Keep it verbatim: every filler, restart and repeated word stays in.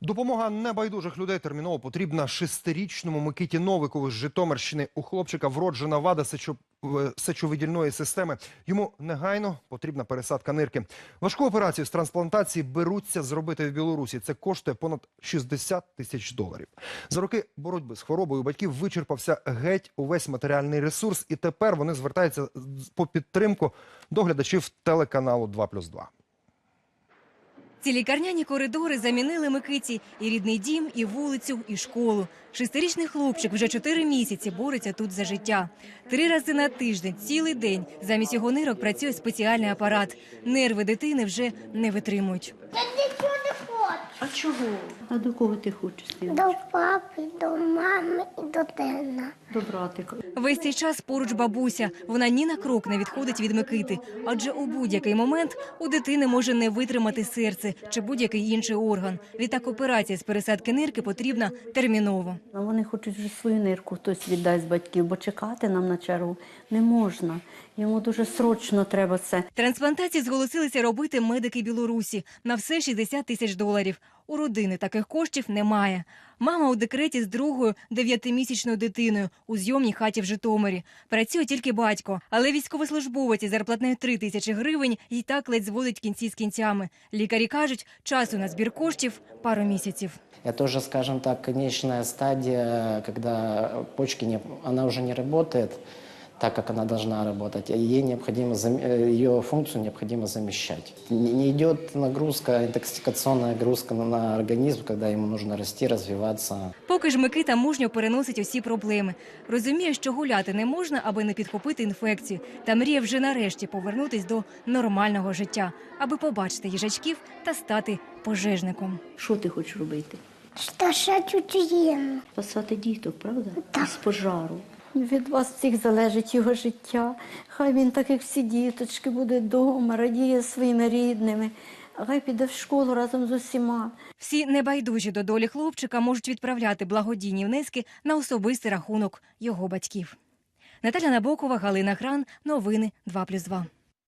Допомога небайдужих людей терміново потрібна шестирічному Микиті Новикову з Житомирщини. У хлопчика вроджена вада сечо... сечовидільної системи. Йому негайно потрібна пересадка нирки. Важку операцію з трансплантації беруться зробити в Білорусі. Це коштує понад шістдесят тисяч доларів. За роки боротьби з хворобою у батьків вичерпався геть увесь матеріальний ресурс. І тепер вони звертаються по підтримку до глядачів телеканалу два плюс два. Ці лікарняні коридори замінили Микиті і рідний дім, і вулицю, і школу. Шестирічний хлопчик вже чотири місяці бореться тут за життя. Три рази на тиждень, цілий день, замість його нирок працює спеціальний апарат. Нерви дитини вже не витримують. Я нічого не хочу. А чого? А до кого ти хочеш? До папи, до мами і до тина. До братика. Весь цей час поруч бабуся. Вона ні на крок не відходить від Микити. Адже у будь-який момент у дитини може не витримати серце чи будь-який інший орган. Відтак операція з пересадки нирки потрібна терміново. А вони хочуть вже свою нирку хтось віддасть з батьків, бо чекати нам на чергу не можна. Йому дуже срочно треба це. Трансплантацію зголосилися робити медики Білорусі. На все шістдесят тисяч доларів. У родини таких коштів немає. Мама у декреті з другою дев'ятимісячною дитиною у зйомній хаті в Житомирі. Працює тільки батько. Але військовослужбовець із зарплатнею три тисячі гривень і так ледь зводить кінці з кінцями. Лікарі кажуть, часу на збір коштів – пару місяців. Это уже, скажем так, конечная стадия, когда почки не, она уже не работает так, как она должна работать, и ей необходимо, ее функцию необходимо замещать. Не идет нагрузка, интоксикационная нагрузка на организм, когда ему нужно расти, развиваться. Поки ж Микита мужньо переносить усі проблеми. Розуміє, що гуляти не можна, аби не підхопити інфекцію. Та мріє вже нарешті повернутись до нормального життя, аби побачити їжачків та стати пожежником. Що ти хочеш робити? Шташать Україну. Спасати діток, правда? Так. З пожару. Від вас всіх залежить його життя. Хай він, так як всі діточки, буде вдома, радіє своїми рідними. Хай піде в школу разом з усіма. Всі небайдужі до долі хлопчика можуть відправляти благодійні внески на особистий рахунок його батьків. Наталя Набокова, Галина Гран. Новини два плюс два.